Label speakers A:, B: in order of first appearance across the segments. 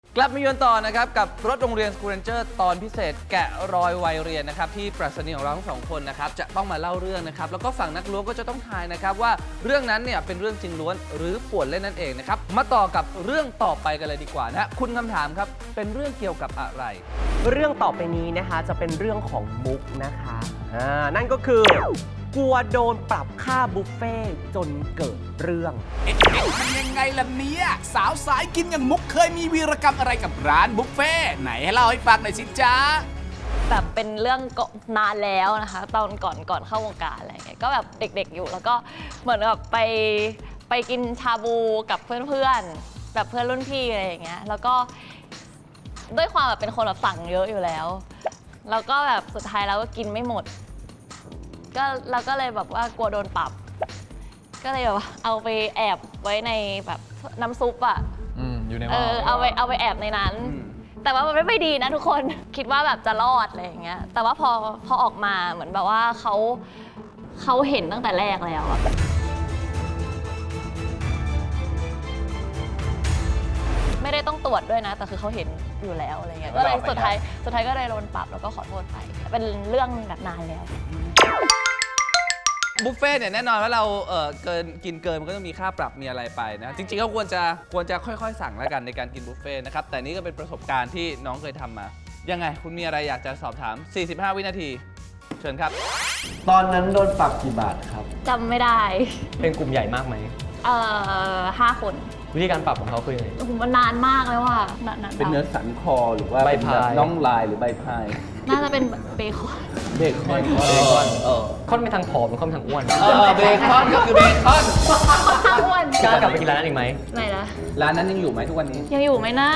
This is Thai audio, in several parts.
A: กลับมาเยือนต่อนะครับกับรถโรงเรียน School Ranger ตอนพิเศษแกะรอยวัยเรียนนะครับที่ปรัชนีของเราทั้งสองคนนะครับจะต้องมาเล่าเรื่องนะครับแล้วก็ฝั่งนักล้วงก็จะต้องทายนะครับว่าเรื่องนั้นเนี่ยเป็นเรื่องจริงล้วนหรือป่วนเล่นนั่นเองนะครับมาต่อกับเรื่องต่อไปกันเลยดีกว่านะคุณคำถามครับเป็นเรื่องเกี่ยวกับอะไร
B: เรื่องต่อไปนี้นะคะจะเป็นเรื่องของมุกนะคะนั่นก็คือกลัวโดนปรับค่าบุฟเฟ่จนเกิดเรื่อง
C: มันยังไงล่ะเนี่ยสาวสายกินอย่างมุกเคยมีวีรกรรมอะไรกับร้านบุฟเฟ่ไหนให้เล่าให้ฟังหน่อยสิจ๊ะ
D: แบบเป็นเรื่องนานแล้วนะคะตอนก่อนเข้าวงการอะไรเงี้ยก็แบบเด็กๆอยู่แล้วก็เหมือนแบบไปกินชาบูกับเพื่อนๆแบบเพื่อนรุ่นพี่อะไรอย่างเงี้ยแล้วก็ด้วยความแบบเป็นคนแบบสั่งเยอะอยู่แล้วแล้วก็แบบสุดท้ายแล้วก็กินไม่หมดก็เราก็เลยแบบว่ากลัวโดนปรับก็เลยแบบเอาไปแอบไว้ในแบบน้ำซุปอ่ะ
A: อยู่ในหม้อ
D: เอาไปแอบในนั้นแต่ว่ามันไม่ดีนะทุกคนคิดว่าแบบจะรอดอะไรอย่างเงี้ยแต่ว่าพอออกมาเหมือนแบบว่าเขาเห็นตั้งแต่แรกแล้วอะไม่ได้ต้องตรวจด้วยนะแต่คือเขาเห็นอยู่แล้วอะไรเงี้ยก็เลยสุดท้ายก็เลยโดนปรับแล้วก็ขอโทษไปเป็นเรื่องแบบนานแล้ว
A: บุฟเฟ่เนี่ยแน่นอนว่าเรากินเกินมันก็ต้องมีค่าปรับมีอะไรไปนะจริงๆก็ควรจะค่อยๆสั่งแล้วกันในการกินบุฟเฟ่นะครับแต่นี่ก็เป็นประสบการณ์ที่น้องเคยทำมายังไงคุณมีอะไรอยากจะสอบถาม45วินาทีเชิญครับ
E: ตอนนั้นโดนปรับกี่บาทครับ
D: จำไม่ได้
B: เป็นกลุ่มใหญ่มากไหม
D: 5 คน
B: วิธีการปรับของเขาคือยังไง
D: โอ้โหมันนานมากแล้วว่ะนาน
E: เป็นเนื้อสันคอหรือว่า
B: ใบพาย
E: น่องลายหรือใบพาย
D: น่าจะเป็นเบคอน
B: ค่อนไปทางผอมหรือค่อนไปทางอ้วน
A: เบคอนก็คือเบคอน
D: อ้วน
B: กล้ากลับไปกินร้านนั้นอีกไหม
D: ไหนล่ะ
E: ร้านนั้นยังอยู่ไหมทุกวันนี้
D: ยังอยู่ไหมนะ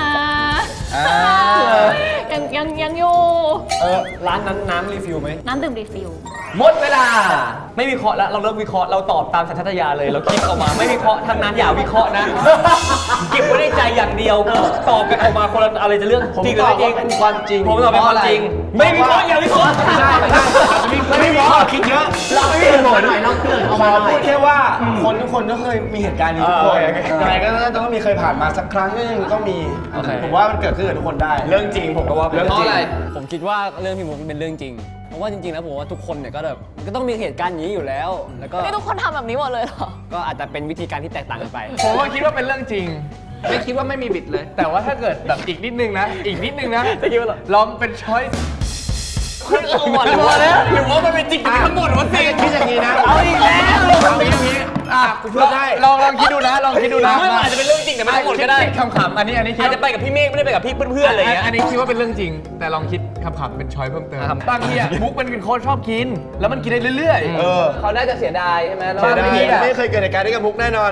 D: ยังอยู่
B: ร้านนั้นน้ำรีฟิลไหม
D: น้ำดื่มรีฟิล
B: หมดเวลาไม่วิเคราะห์แล้วเราเลิกวิเคราะห์เราตอบตามสัญชาตญาณเลยเราคิดออกมาไม่วิเคราะห์ทางนั้นอย่าวิเคราะห์นะเก็บไว้ในใจอย่างเดียวตอบกันออกมาคนละอะไรจะเรื่องจริงหรือไม่จริง
E: ความจริง
B: ผมตอบเป็นความจริงไม่วิเคราะห์อย่าวิเคราะห์
E: ไม่วิเคราะห์คิดเยอะ
B: เราไม่มีผล
E: เราเกิดเอามาพูดแค่ว่าคนทุกคนก็เคยมีเหตุการณ์นี้ทุกคนยังไงก็ต้องมีเคยผ่านมาสักครั้งก็ยังต้องมีผมว่ามันเกิดขึ้นกับทุกคนได้
B: เรื่องจริงผมก็ว่า
A: เรื่องจริง
F: ผมคิดว่าเรื่องพี่มุกเป็นเรื่องจริงเพราะว่าจริงๆแล้วผมว่าทุกคนเนี่ยก็แบบมันก็ต้องมีเหตุการณ์อย่างนี้อยู่แล้วแล้วก็
D: นี่ทุกคนทำแบบนี้หมดเลยเหรอ
F: ก็อาจจะเป็นวิธีการที่แตกต่างกันไป
A: ผมก็คิดว่าเป็นเรื่องจริงไม่คิดว่าไม่มีบิดเลยแต่ว่าถ้าเกิดแบบอีกนิดนึงนะ
F: จะคิดว่า
A: ลองเป็นช้อย
B: คุณเอาหมดแล้วหรือว่ามันเป็นจริงทั้งหมดวะสิ
E: คิดอย่างนี้นะ
B: เอาอีกแล้ว
E: เอาอย่างนี้กูพูดได้
A: ลองคิดดูนะ
B: ไม่อาจจะเป็นเรื่องจริงแต่ไม่ทั้งหมดก็ได้
A: ขำๆอันนี้
B: อาจจะไปกับพี่เมฆไม่ได้ไปกับพี่เพื่อนๆอะไรอย่างเงี้ย
A: อันนี้คิดว่าเป็นเรื่องจริงแต่ลองคิดขำๆเป็นช้อยเพิ่มเติมบางทีมุกมันเป็นคนชอบกินแล้วมันกินได้เรื่อยๆเขาน่าจะเสียดายใช่ไหม
E: ไม่เคยเกิดเหตุการณ์ด้วยกับมุกแน่นอน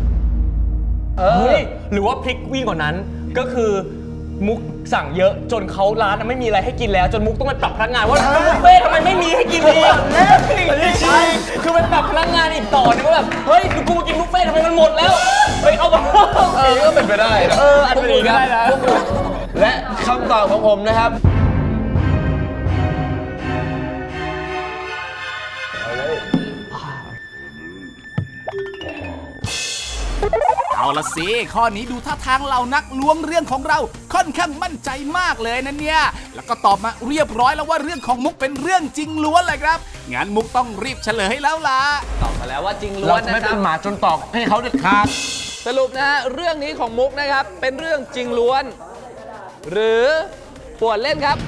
B: หรือว่าพลิกวิ่งกว่านั้นก็คือมุกสั่งเยอะจนเขาร้านไม่มีอะไรให้กินแล้วจนมุกต้องไปปรับพนักงานว่าบุฟเฟ่ทำไมไม่มีให้กินอีกคือไปปรับพนักงานอีกต่อนึงว่าแบบเฮ้ยกูมากินบุฟเฟ่ทำไมมันหมดแล้วเฮ้ยเอามา
E: ก็เป็นไปได้
B: อันนี้ก็ได้นะ
E: และคำตอบของผมนะครับ
C: เอาละสิข้อนี้ดูท่าทางเหล่านักล้วงเรื่องของเราค่อนข้างมั่นใจมากเลยนะเนี่ยแล้วก็ตอบมาเรียบร้อยแล้วว่าเรื่องของมุกเป็นเรื่องจริงล้วนเลยครับงั้นมุกต้องรีบเฉลยแล้วล่ะ
A: ตอบมาแล้วว่าจริงล้วนนะครับ
E: ไม่เป็นหมาจนตอกให้เขาเด็ดขาด
A: สรุปนะฮะเรื่องนี้ของมุกนะครับเป็นเรื่องจริงล้วนหรือป่วนเล่นครับ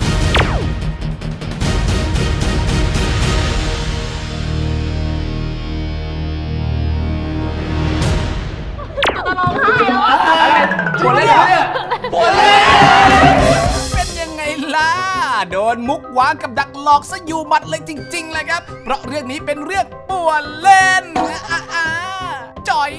D: ปวดเลยเนี่ย
A: ปวดเลย
C: เป็นยังไงล่ะโดนมุกวางกับดักหลอกซะอยู่หมัดเลยจริงๆเลยครับเพราะเรื่องนี้เป็นเรื่องป่วนเล่นจ่อย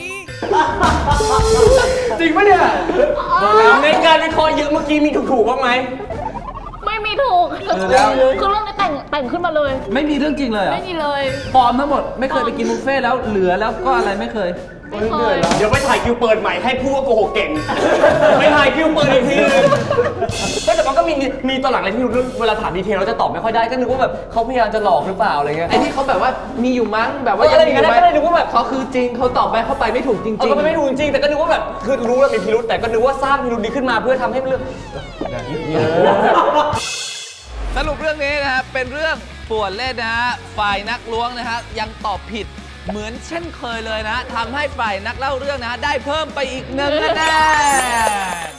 A: จริงปะเนี่ย
B: ในการวิเคราะห์เยอะเมื่อกี้มีถูกบ้างไหม
D: ไม่มีถูกคือเรื่องนี้แต่งขึ้นมาเลย
A: ไม่มีเรื่องจริงเลย
D: ไม่มีเลย
A: ปลอมทั้งหมดไม่เคยไปกินบุฟเฟ่แล้วเหลือแล้วก็อะไรไม่เคย
B: เดี๋ยวไปถ่ายคิวเปิดใหม่ให้พูดว่าโกหกเก่งไปถ่ายคิวเปิดอีกทีนึงก็แต่มันก็มีมีตอนหลังอะไรที่รู้เรื่องเวลาถามดีเทลเราจะตอบไม่ค่อยได้ก็นึกว่าแบบเขาพยายามจะหลอกหรือเปล่าอะไรเงี้ย
A: ไอ้ที่เขาแบบว่ามีอยู่มั้งแบบว่า
B: อะไรอย่างเงี้ยก็เลยนึกว่าแบบ
A: เขาคือจริงเขาตอบไปเข้าไปไม่ถูกจริง
B: ก็ไม่ถูกจริงแต่ก็นึกว่าแบบคือรู้แล้วมีพิรุธแต่ก็นึกว่าสร้างพิรุธนี้ขึ้นมาเพื่อทำให้เรื่อง
A: สรุปเรื่องนี้นะฮะเป็นเรื่องป่วนเล่นนะฮะฝ่ายนักล้วงนะฮะยังตอบผิดเหมือนเช่นเคยเลยนะทำให้ฝ่ายนักเล่าเรื่องนะฮะได้เพิ่มไปอีก1 คะแนน